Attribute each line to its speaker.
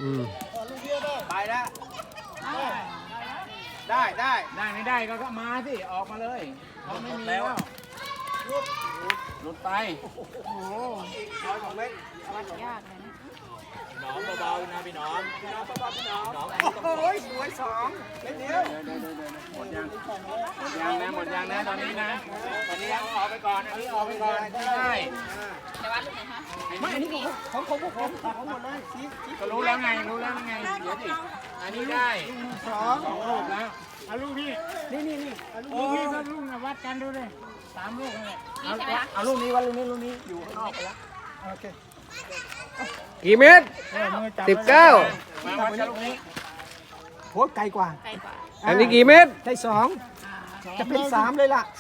Speaker 1: ไปแล้วได้ไม่ได้ก็มาสิออกมาเลยเขาไม่มีแล้วหลุดไปโอ้โห
Speaker 2: ยากเลยนะ
Speaker 1: น้องเบาๆนะพี่น้องน้องโอ้ยสวยสองเล่นเดียวหมดยังหมดยังนะตอนนี้นะตอนนี้เอาออกไปก่อนอันนี้ออกไปก่อนไม่ได้
Speaker 2: จะวัดลูกไหนคะ
Speaker 1: ไม่อันนี้ของผมหมดเลยก็รู้แล้วไงเดี๋ยวดิอันนี้ได้สองลูกแล้วเอาลูกนี่ลูกนี่ก็ลูกนะวัดกันดูเลย3 ลูกเลยเอาลูกนี้วัดลูกนี้อยู่ข้างนอกไปแล้วโอเค
Speaker 3: กี่เมตร 19
Speaker 1: มาวัดกันลูกนี้
Speaker 4: โหไกลกว่า
Speaker 2: ไกลกว่า
Speaker 3: อันนี้กี่เมตร
Speaker 4: ได้2จะเป็น3เลยล่ะ